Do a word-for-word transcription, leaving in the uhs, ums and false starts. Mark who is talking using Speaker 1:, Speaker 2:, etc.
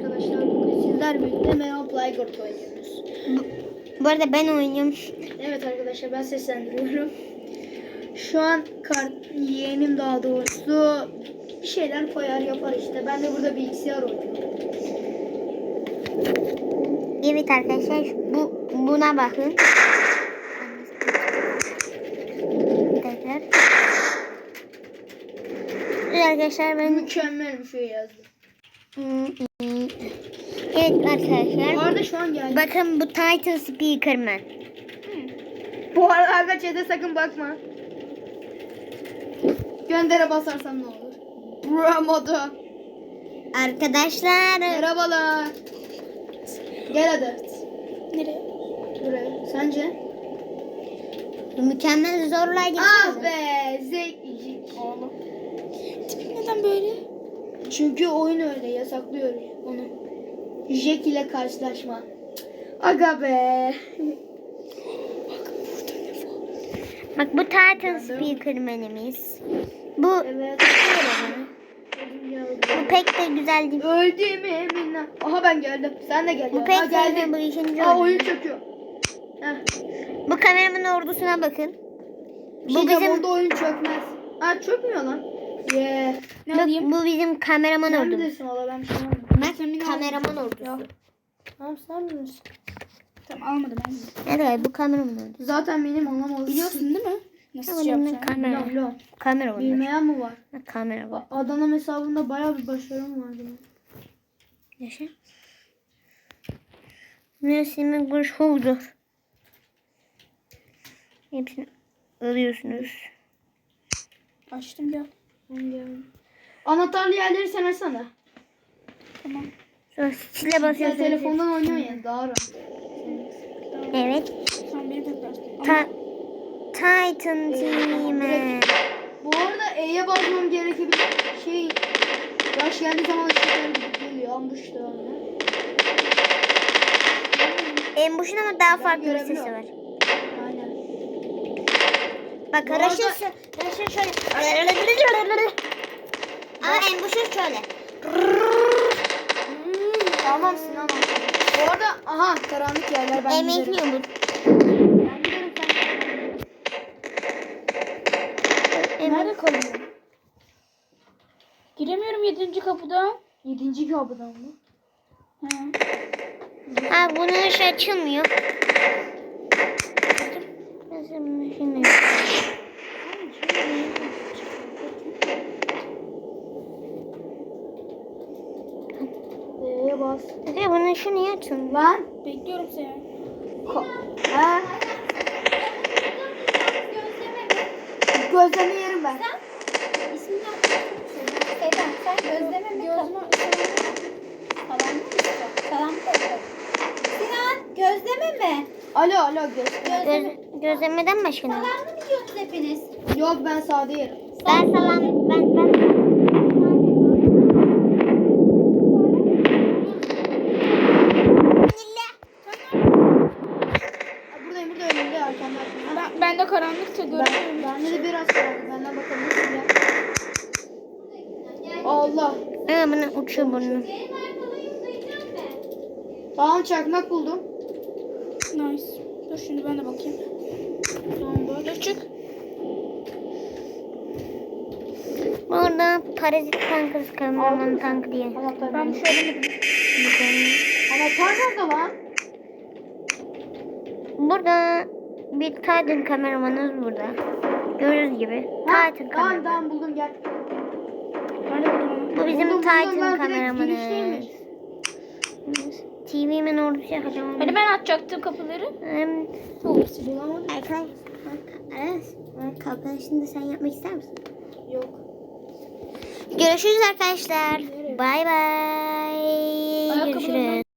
Speaker 1: arkadaşlar. Bugün sizler birlikte Meow Playgurt oynuyoruz.
Speaker 2: Bu, bu arada ben oynuyorum.
Speaker 1: Evet arkadaşlar, ben seslendiriyorum. Şu an kart yeğenim daha doğrusu bir şeyler koyar yapar işte. Ben de burada bilgisayar oynuyorum.
Speaker 2: Evet arkadaşlar, bu buna bakın. Tekrar. Evet arkadaşlar, ben
Speaker 1: Mükemmel bir şey yazdım.
Speaker 2: evet arkadaşlar.
Speaker 1: Bu arada şu an geldi.
Speaker 2: Bakın bu Titan Speakerman.
Speaker 1: Bu arada arka chat'e sakın bakma. Göndere basarsam ne olur? Bro modu.
Speaker 2: Arkadaşlar.
Speaker 1: Merhabalar. Gel hadi.
Speaker 2: Nereye?
Speaker 1: Buraya. Sence?
Speaker 2: Mükemmel zorlayıcı.
Speaker 1: Ah be, zevkli. Oğlum.
Speaker 2: Tipim neden böyle?
Speaker 1: Çünkü oyun öyle yasaklıyor onu. Jack ile karşılaşma. Aga be.
Speaker 2: Bak bu Titan Speakerman'imiz. Bu
Speaker 1: Evet.
Speaker 2: bu pek de güzel değil.
Speaker 1: Öldüğümü eminle. Aha ben geldim. Sen de gel.
Speaker 2: Bu
Speaker 1: ya.
Speaker 2: pek
Speaker 1: Ha, geldim.
Speaker 2: sevdiğim bu işinci
Speaker 1: Aa,
Speaker 2: oyun.
Speaker 1: oyun çöküyor. Heh.
Speaker 2: Bu kameramanın ordusuna bakın.
Speaker 1: Bu
Speaker 2: Bu bizim
Speaker 1: onda oyun çökmez. Ha, çökmüyor lan. Yeah. Ne
Speaker 2: bu,
Speaker 1: alayım?
Speaker 2: bu bizim kameraman
Speaker 1: Sen
Speaker 2: ordusu.
Speaker 1: bilirsin valla, ben bir şey almadım.
Speaker 2: Bak kameraman ordusu.
Speaker 1: Yok. Tamam, sen bilirsin. Tamam, almadım almadım.
Speaker 2: Evet bu kameraman ordusu.
Speaker 1: Zaten benim anlamalısın.
Speaker 3: Biliyorsun değil mi? Nasıl
Speaker 2: Ama
Speaker 3: şey
Speaker 2: benim
Speaker 3: yapacağını?
Speaker 2: kamera.
Speaker 1: Biliyorum, biliyorum.
Speaker 2: Kamera var.
Speaker 1: Bilmeyen mi var?
Speaker 2: Kamera var.
Speaker 1: Adana hesabında bayağı bir başarım vardı.
Speaker 2: Yaşa. Nesimi bu şovdur. Hepsini alıyorsunuz.
Speaker 3: Açtım ya.
Speaker 1: Anahtarlı yerleri sen açsana.
Speaker 3: Tamam.
Speaker 2: Sonra stile
Speaker 1: Sen
Speaker 2: basıyorsunuz.
Speaker 1: telefondan oynuyorsun ya, daha rahat.
Speaker 2: Evet.
Speaker 3: Sen beni tekrar.
Speaker 2: Ta Titan Team.
Speaker 1: Bu arada E'ye basmam gerekebilir. Şey, yaş geldiği zaman ışıklar gidip geliyor. Ambuşta öyle.
Speaker 2: Embuş'un ama daha
Speaker 1: Ben
Speaker 2: farklı bir sesi
Speaker 1: görebiliyorum.
Speaker 2: var.
Speaker 1: Aynen.
Speaker 2: Bak
Speaker 1: Bu
Speaker 2: Raşın
Speaker 1: arada-
Speaker 2: Raşın şöyle. Ama Embuş'un şöyle.
Speaker 1: Tamam Sinan abi. Bu arada aha, karanlık yerler, ben giderim.
Speaker 2: Emekliyor bu.
Speaker 1: Ben giderim, sen
Speaker 3: Nerede kalıyor? Giremiyorum yedinci kapıdan.
Speaker 1: Yedinci kapıdan mı?
Speaker 3: He.
Speaker 2: Ha bunun ışığı açılmıyor. Nasıl bunun ışığı?
Speaker 1: E'ye bas.
Speaker 2: Ya bunun ışığı niye açılmıyor?
Speaker 1: Lan.
Speaker 3: Bekliyorum seni.
Speaker 1: Ko He. Gözleme yerim ben.
Speaker 3: İsmini Seydan sen gözleme mi? Gözleme. Salam mı? Salam mı? Sinan gözleme mi?
Speaker 1: Alo alo göz.
Speaker 2: Göz, gözlemeden başka ne?
Speaker 3: Salam mı yiyorsunuz hepiniz?
Speaker 1: Yok, ben sade yerim.
Speaker 2: Ben salam ben ben
Speaker 1: Buradayım, burada önümde, arkamda.
Speaker 3: Ben, ben de karanlıkta
Speaker 1: Ben,
Speaker 3: görüyorum.
Speaker 1: bende de biraz kaldı. Benden bakabilirsin ya. Allah.
Speaker 2: Ha bunu uçuyor burnu.
Speaker 1: Tamam, çakmak buldum.
Speaker 3: Nice. Dur şimdi ben de bakayım.
Speaker 1: Tamam, dur.
Speaker 3: Dur çık.
Speaker 2: Burada parazit tankı kameraman tankı diye.
Speaker 1: Anahtar
Speaker 3: Ben
Speaker 1: benim.
Speaker 3: şöyle mi?
Speaker 1: Anahtar nerede lan?
Speaker 2: Burada bir Titan kameramanımız burada. Gördüğünüz gibi.
Speaker 1: Ha,
Speaker 2: Titan
Speaker 1: tamam
Speaker 2: kameraman.
Speaker 1: tamam, buldum, gel.
Speaker 3: Ben de buldum.
Speaker 2: Bu bizim
Speaker 1: Buldum, buldum,
Speaker 2: Titan
Speaker 1: ben direkt
Speaker 2: kameramanımız.
Speaker 1: girişteymiş.
Speaker 2: T V'min ordusu yapacağım.
Speaker 3: Hani ben açacaktım kapıları.
Speaker 2: Hem
Speaker 1: Bulamadım.
Speaker 2: Erkay. Aras. Kalkan şimdi sen yapmak ister misin?
Speaker 1: Yok.
Speaker 2: Görüşürüz arkadaşlar. Bay bay.
Speaker 3: Ayakkabılarımı
Speaker 2: Görüşürüz.